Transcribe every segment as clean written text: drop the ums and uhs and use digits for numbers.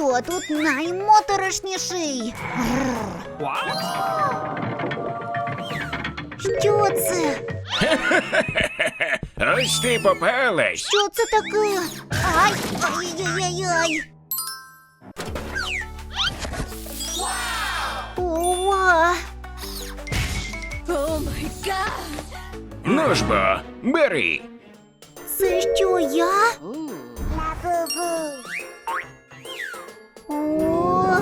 Хто тут наймоторошніший? Що це? Ось ти попалась. Що це таке? Ай! Ай-яй-яй-яй! Ова! Ну ж бо, бери. Це що, я? О!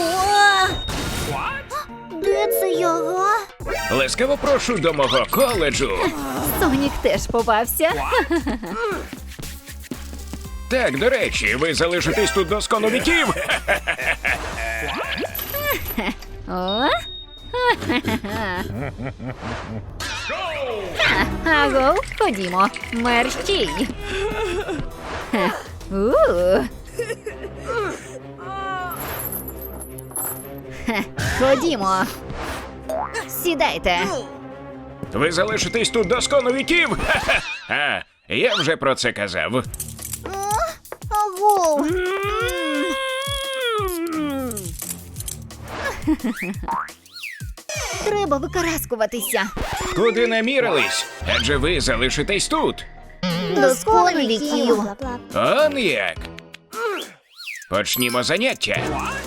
Де це я, га? Ласкаво прошу до мого коледжу. Сонік теж попався. Так, до речі, ви залишитесь тут до скону віків. О? Аго, ходімо. Мерщій. Ходімо. Сідайте. Ви залишитесь тут до скону віків. А, я вже про це казав. Агов! Треба викараскуватися. Куди намірились? Адже ви залишитесь тут. До скону віків! Он як. Почнімо заняття.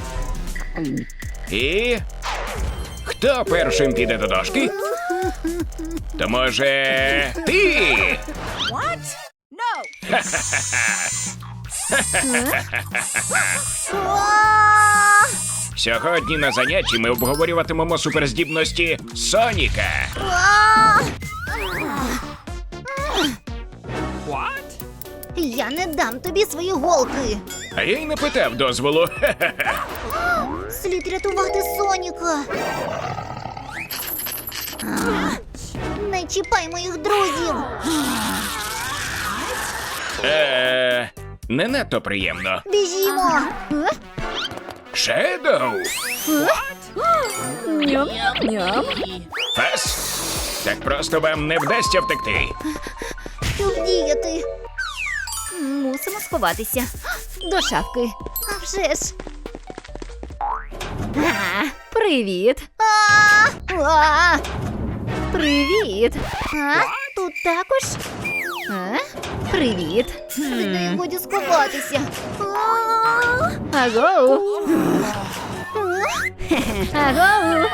І... Хто першим піде до дошки? То може... ти? А! Сьогодні на занятті ми обговорюватимемо суперздібності Соніка. А! Я не дам тобі свої голки. А я й не питав дозволу. Слід рятувати Соніка. Не чіпай моїх друзів. Не надто приємно. Біжімо. Шедоу! Ням-ням. Фас? Так просто вам не вдасться втекти. Що вдіяти? Мусимо сховатися. До шафки. А вже ж. Привіт. А! Привіт. А? Тут також? Привіт. Від неї годі сховатися. Аго. Аго.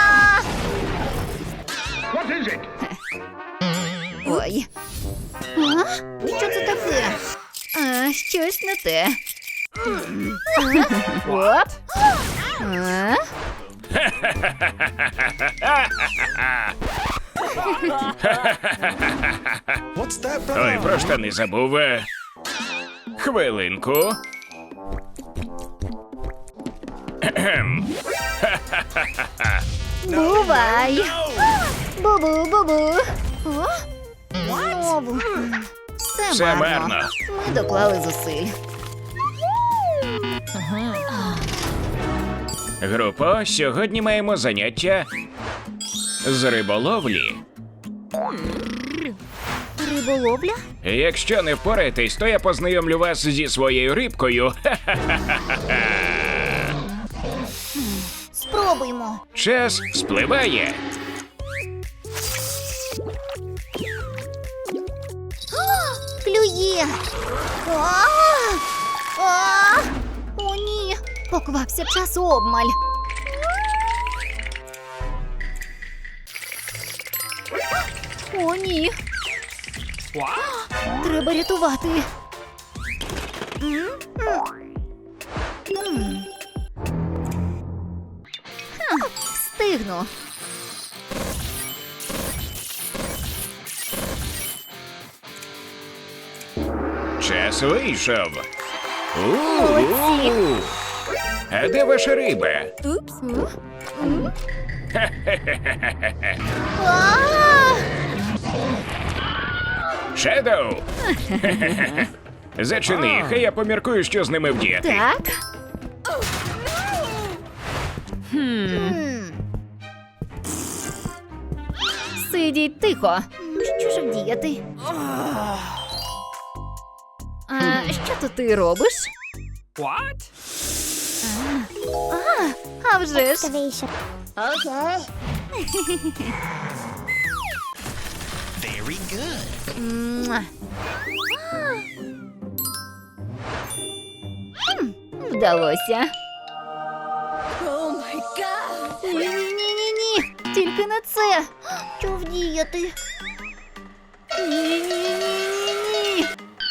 Ой. Що це таке? Щось не те. Оп. Ой, про штани забув. Хвилинку. Бувай. Бу-бу-бу-бу. Знову. Все марно. Ми доклали зусиль. Групо, сьогодні маємо заняття з риболовлі. Риболовля? Якщо не впораєтесь, то я познайомлю вас зі своєю рибкою. Спробуймо. Час спливає. Клює. О, ні. Поквапся, час обмаль. О, ні. Треба рятувати. Встигну. Час вийшов. У-у-у. А де ваша риба? Упс. Шедоу! Зачини, хай я поміркую, що з ними вдіяти. Так. Сидіть тихо. Що ж вдіяти? А що то ти робиш? А вже ж. Excavation. Okay. Very good. Муа. Вдалося. Ні-ні-ні-ні-ні. Тільки не це. Що вдіяти? Ні-ні-ні-ні-ні.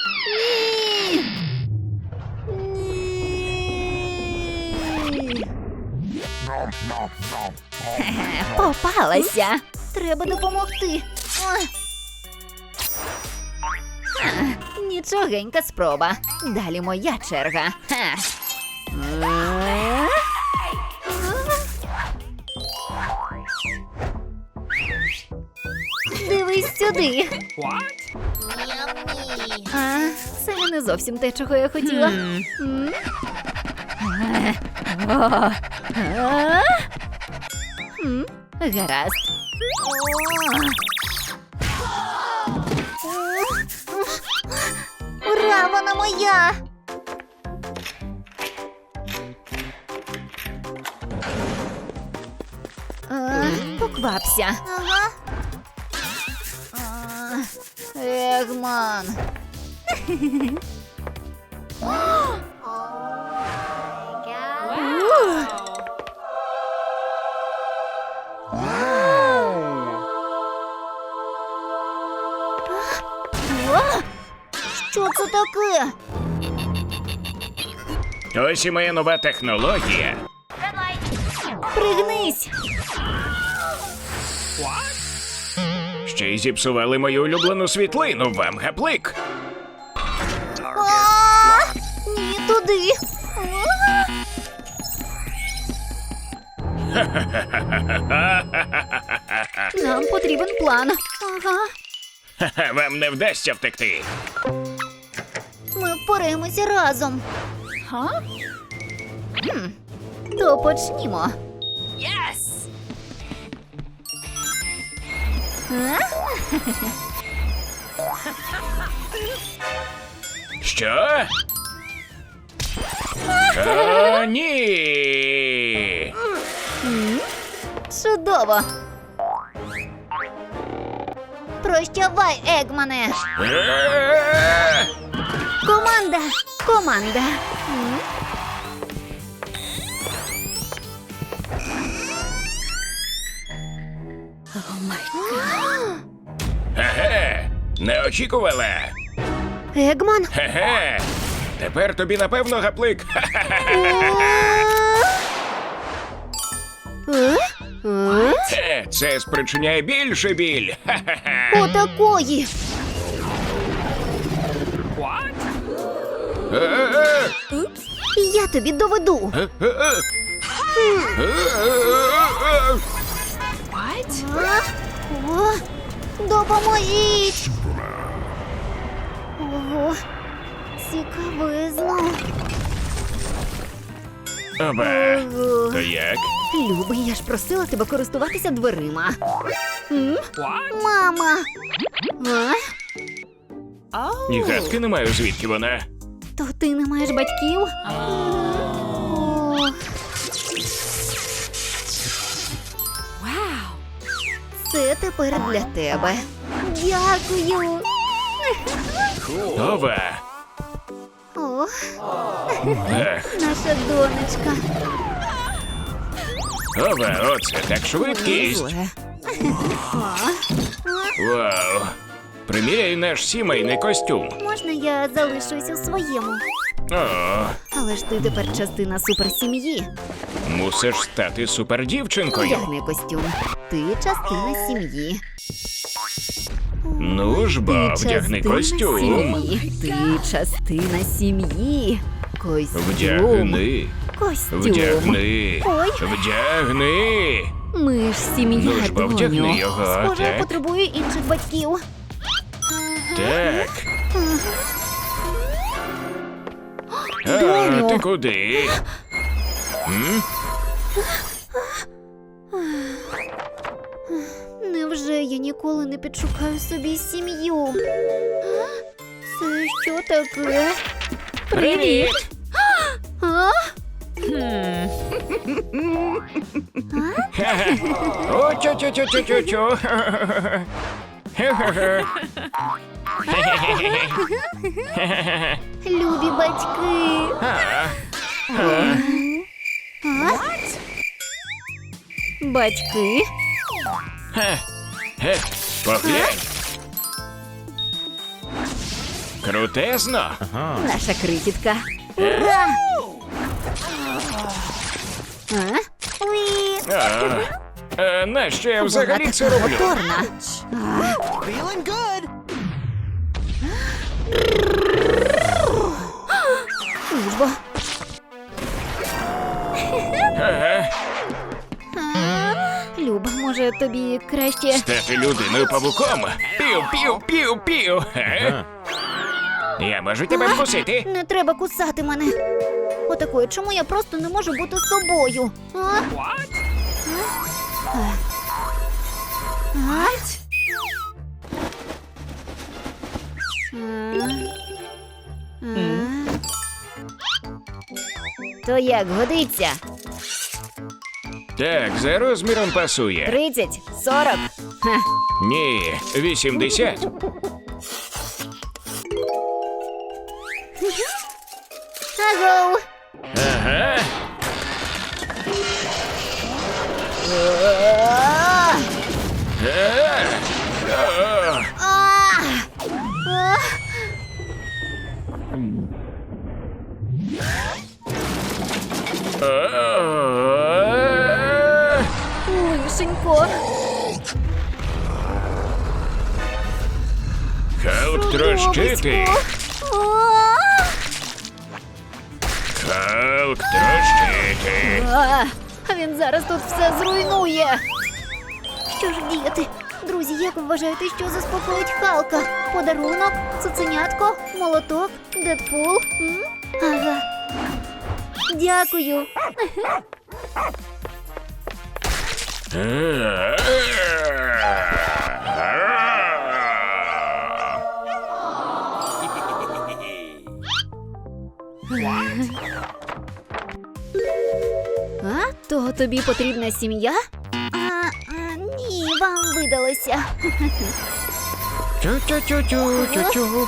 Ні. Хе-хе, попалася. Треба допомогти. Ой. Нічогенька спроба. Далі моя черга. Ха. Дивись сюди. Ням-ні. А, це не зовсім те, чого я хотіла. М? О, а? Гаразд. Ура, вона моя! Поквапся. Ага. Егман. Що це таке? Ось і моя нова технологія. Пригнись. Ще й зіпсували мою улюблену світлину. Вам гаплик. Ні, туди. Нам потрібен план. Ага. Ха-ха, вам не вдасться втекти. Ми впораємося разом. То почнімо. Що? О, ні! Чудово. Прощавай, Егмане. Е-е-е! Команда. Команда. Еге, не очікувала. Егман. Хе-хе. Тепер тобі напевно гаплик. Хе, це спричиняє більше біль. Ха-ха-ха. Отакої. Е-е-е! Я тобі доведу. Е-е-е! Е-е-е! О, допоможіть. Ого, цікавизно. Оба. То як? Любий, я ж просила тебе користуватися дверима. Мама. Ні гадки не маю, звідки вона. То ти не маєш батьків? Це тепер для тебе. Дякую. Ова. О, Ех, наша донечка. ова, оце так швидкість. Зле. Вау. Приміряй наш сімейний костюм. Можна я залишусь у своєму? О, Але ж ти тепер частина суперсім'ї. мусиш стати супердівчинкою. Одягни костюм. Ти частина сім'ї. Ну ж бо, Ти вдягни частина костюм. сім'ї. Ти частина сім'ї. Костюм. Вдягни. Костюм. Вдягни. Ой. Ми Вдягни. ж сім'я, Ну ж бо, вдягни доню. його, Схоже, я так? потребую інших батьків. Так. А, Доню. ти куди? М? Невже я ніколи не підшукаю собі сім'ю? Це що таке? Привіт! А? О, чу-чу-чу-чу-чу-чу. Любі батьки. Батьки? Поглянь. Крутезно. Наша крихітка. Ура! Нащо я взагалі це роблю? Моторна. Feeling good. Служба. Люба, може тобі краще... Стати людиною павуком. Пів-пів-пів-пів. Я можу тебе вкусити? Не треба кусати мене. Отакої, чому я просто не можу бути собою? А? То як, годиться? Так, за розміром пасує. 30, 40. Ха. Ні, 80. Агоу. Ага. Лишенько. Халк трощити. Халк трощити. А він зараз тут все зруйнує. Що ж діяти? Друзі, як ви вважаєте, що заспокоїть Халка? Подарунок? Цуценятко? Молоток? Дедпул? М? Ага. Дякую. А? То тобі потрібна сім'я? Ні, вам видалося. Чу-чу-чу-чу-чу-чу.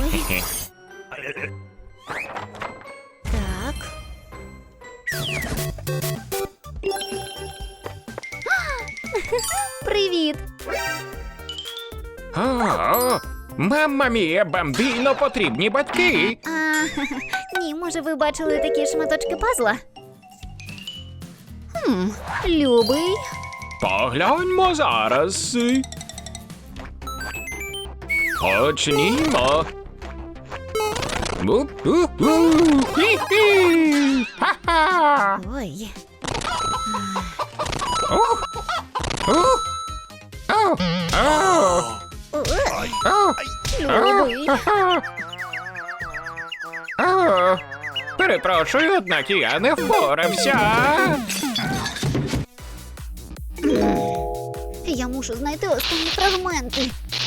Так. Привіт. О, мамма мія, бамбіно, потрібні батьки. Ні, може ви бачили такі шматочки пазла? Любий. Погляньмо зараз. Почнімо. Хі-хі. Ха-ха. Ой. Любий. Перепрошую, однак я не впорався. Я мушу знайти останні фрагменти.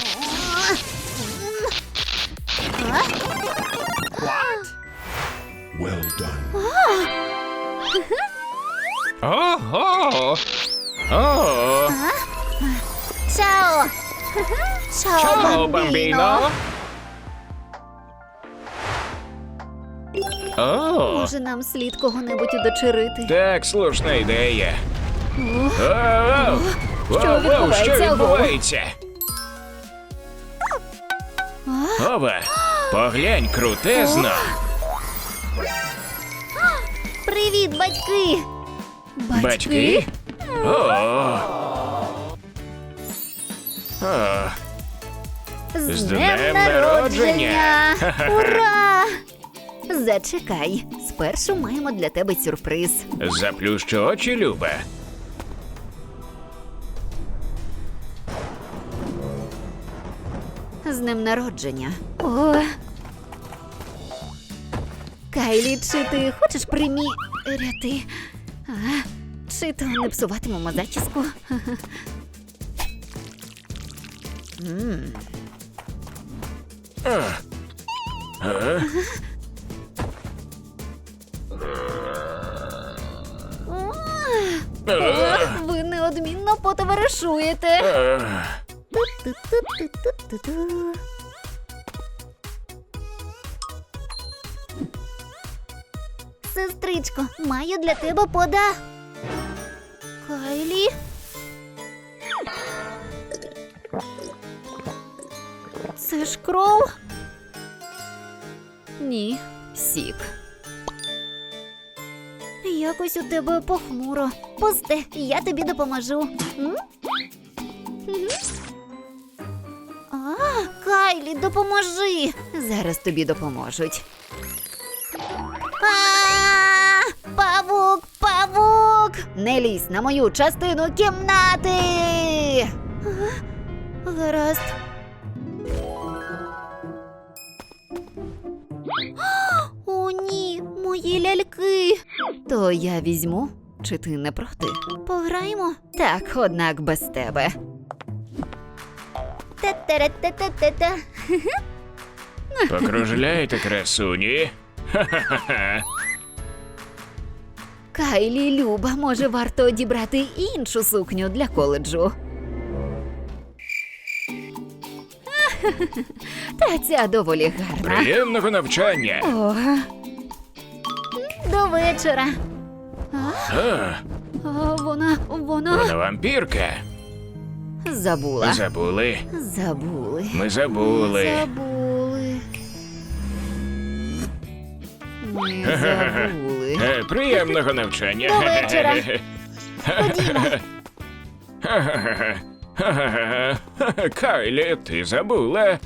Well done. Ого! О! Чао! Чао, бамбіно! О! Може, нам слід кого-небудь удочерити? Так, слушна ідея. Воу! Що відбувається? Що відбувається? Ова, поглянь, крутезно. Привіт, батьки! Батьки? О! О! З днем народження! Ура! Зачекай, спершу маємо для тебе сюрприз. Заплющ очі, Люба. З днем народження. О. Кайлі, чи ти хочеш приміряти? Чи то не псуватимемо зачіску? Ви неодмінно потоваришуєте. Ту-ту-ту-ту-ту-ту. Сестричко, маю для тебе Кайлі? Це ж кров? Ні, сік. Якось у тебе похмуро. Пусте, я тобі допоможу. М? Мгм. Кайлі, допоможи. Зараз тобі допоможуть. Павук, павук! Не лізь на мою частину кімнати! Гаразд. О, ні, мої ляльки. То я візьму, чи ти не проти? Пограємо? Так, однак без тебе. Та-та-ра-та-та-та-та. Покружляйте, красуні. Ха-ха-ха. Кайлі, Люба, може варто одібрати іншу сукню для коледжу? Та ця доволі гарна. Приємного навчання. О. До вечора. Вона Вона вампірка. забула. Забули. Забули. Ми забули. Забули. Ми забули. Приємного навчання. До вечора. Ходімо. Кайлі, ти забула.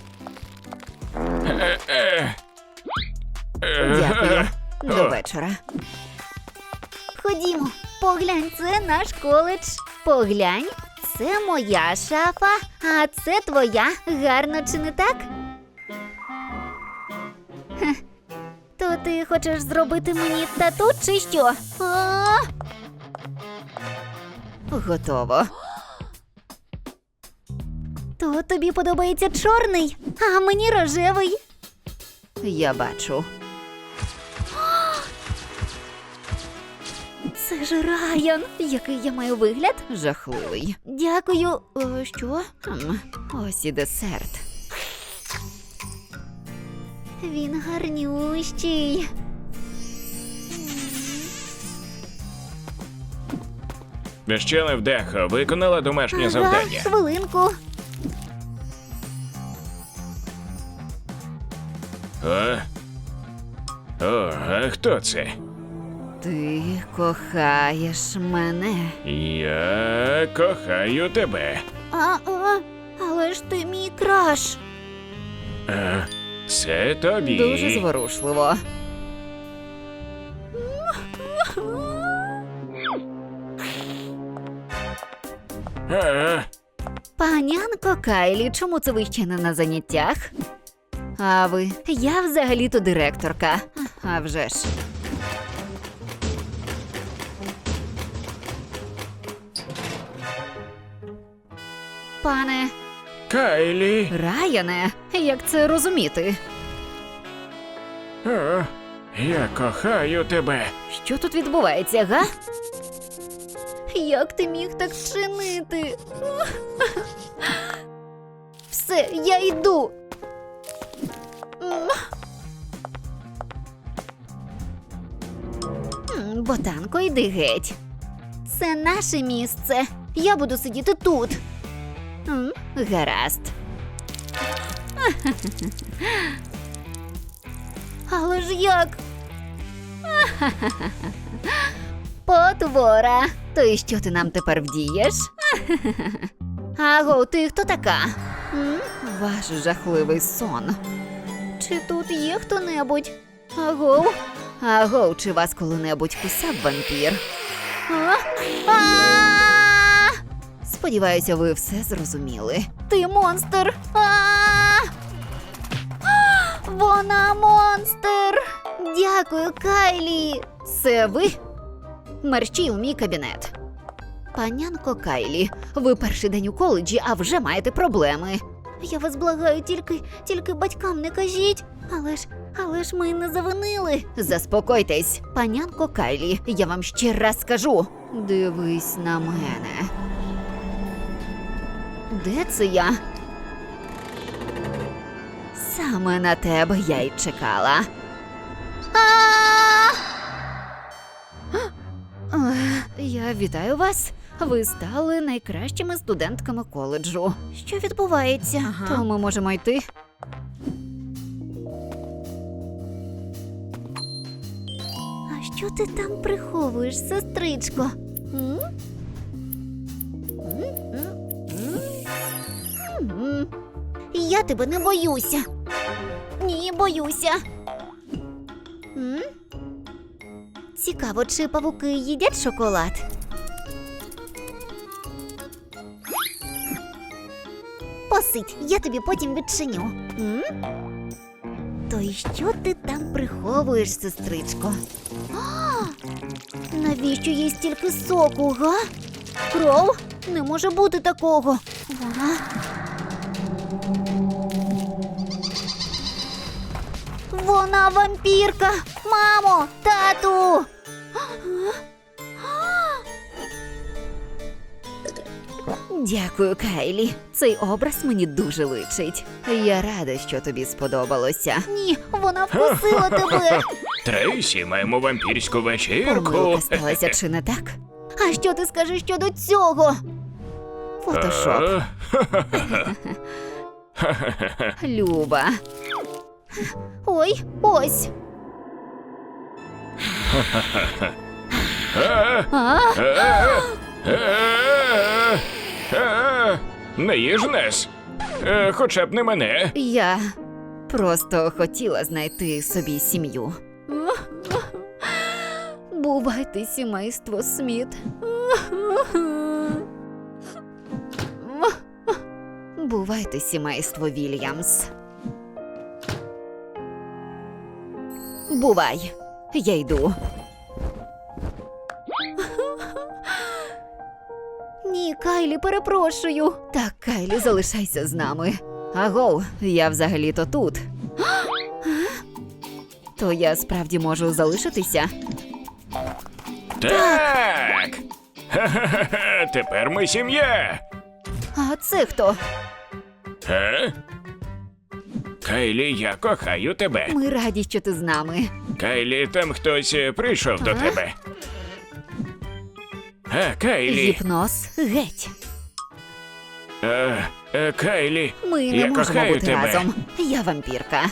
Дякую. До вечора. Ходімо, поглянь, це наш коледж. Поглянь, це моя шафа, а це твоя. Гарно, чи не так? Хе. То ти хочеш зробити мені тату, чи що? Готово. То тобі подобається чорний, а мені рожевий. Я бачу. Це ж Райан. Який я маю вигляд? Жахливий. Дякую. Що? Ось і десерт. Він гарнющий. Ще невдахо виконала домашнє завдання. Хвилинку. А хто це? Ти кохаєш мене. Я кохаю тебе. Але ж ти мій краш. Це тобі. Дуже зворушливо. Панянко Кайлі, чому це ви ще не на заняттях? А ви? Я взагалі-то директорка. А вже ж. Пане Кайлі. Райане, як це розуміти? Я кохаю тебе. Що тут відбувається, га? Як ти міг так вчинити? Все, я йду. Ботанко, йди геть. Це наше місце. Я буду сидіти тут. Гаразд. Але ж як? Потвора. То і що ти нам тепер вдієш? Аго, ти хто така? Ваш жахливий сон. Чи тут є хто-небудь? Аго? Аго, чи вас коли-небудь кусав вампір? Сподіваюся, ви все зрозуміли. Ти монстр! Вона монстр! Дякую, Кайлі! Це ви? Мерщій у мій кабінет. Панянко Кайлі, ви перший день у коледжі, а вже маєте проблеми. Я вас благаю, тільки батькам не кажіть. Але ж ми не завинили. Заспокойтесь, панянко Кайлі, я вам ще раз скажу. Дивись на мене. Де це я? Саме на тебе я й чекала. Я вітаю вас. Ви стали найкращими студентками коледжу. Що відбувається? То ми можемо йти. А що ти там приховуєш, сестричко? М? Я тебе не боюся. Ні, боюся. М? Цікаво, чи павуки їдять шоколад? Посидь, я тобі потім відчиню. М? То й що ти там приховуєш, сестричко? Навіщо їй стільки соку, га? Кров? Не може бути такого. Вона... Вона вампірка! Мамо, тату! Дякую, Кайлі. Цей образ мені дуже личить. Я рада, що тобі сподобалося. Ні, вона вкусила тебе! Трейсі, маємо вампірську вечірку. Помилка сталася, чи не так? А що ти скажеш щодо цього? Фотошоп. Люба. Ой, ось. А? Не їж нас. Хоча б не мене. Я просто хотіла знайти собі сім'ю. Бувайте, сімейство Сміт. Бувайте, сімейство Вільямс. Бувай, я йду. Ні, Кайлі, перепрошую. Так, Кайлі, залишайся з нами. Агов, я взагалі-то тут. То я справді можу залишитися? Так. Ха-ха-ха, тепер ми сім'я. А це хто? Кайлі, я кохаю тебе. Ми раді, що ти з нами. Кайлі, там хтось прийшов до тебе. Кайлі. Гіпноз геть. Кайлі, Ми я не можемо кохаю бути тебе. разом. Я вампірка.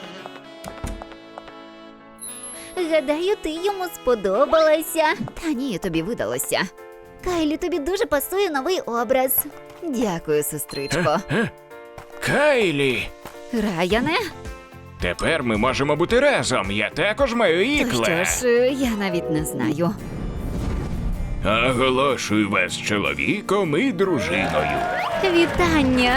Гадаю, ти йому сподобалася. Та ні, тобі видалося. Кайлі, тобі дуже пасує новий образ. Дякую, сестричко. Кайлі. Раяне? Тепер ми можемо бути разом. Я також маю То ікле. що ж, я навіть не знаю. Оголошую вас чоловіком і дружиною. Вітання!